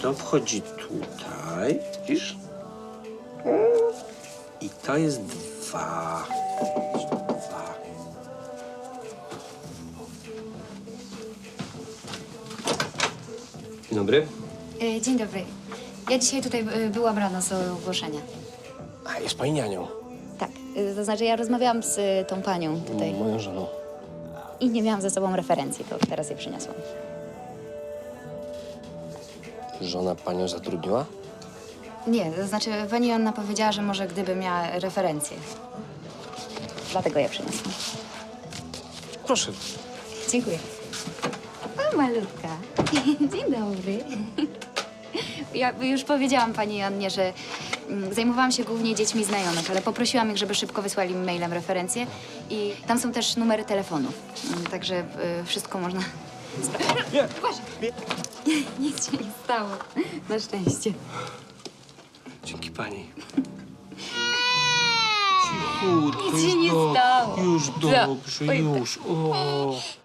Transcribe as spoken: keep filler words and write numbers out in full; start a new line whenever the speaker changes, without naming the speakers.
to wchodzi tutaj, widzisz? I to jest dwa. Dwa. Dzień dobry.
E, Dzień dobry. Ja dzisiaj tutaj e, byłam rano z ogłoszenia.
A, jest pani nianią.
Tak, e, to znaczy ja rozmawiałam z e, tą panią tutaj
Moją żoną.
i nie miałam ze sobą referencji, to teraz je przyniosłam.
Żona panią zatrudniła?
Nie, to znaczy pani Anna powiedziała, że może gdyby miała referencję. Dlatego je przyniosłam.
Proszę.
Dziękuję. O, malutka. Dzień dobry. Ja już powiedziałam pani Annie, że mm, zajmowałam się głównie dziećmi znajomych, ale poprosiłam ich, żeby szybko wysłali mi mailem referencje i tam są też numery telefonów, Mm, także y, wszystko można sprawdzić.
Nie.
Uważaj. Nic się nie stało. Na szczęście.
Dzięki pani. Cichutko,
Nic się
już
nie
do-
stało.
Już
Co?
dobrze,
Oj,
już. O.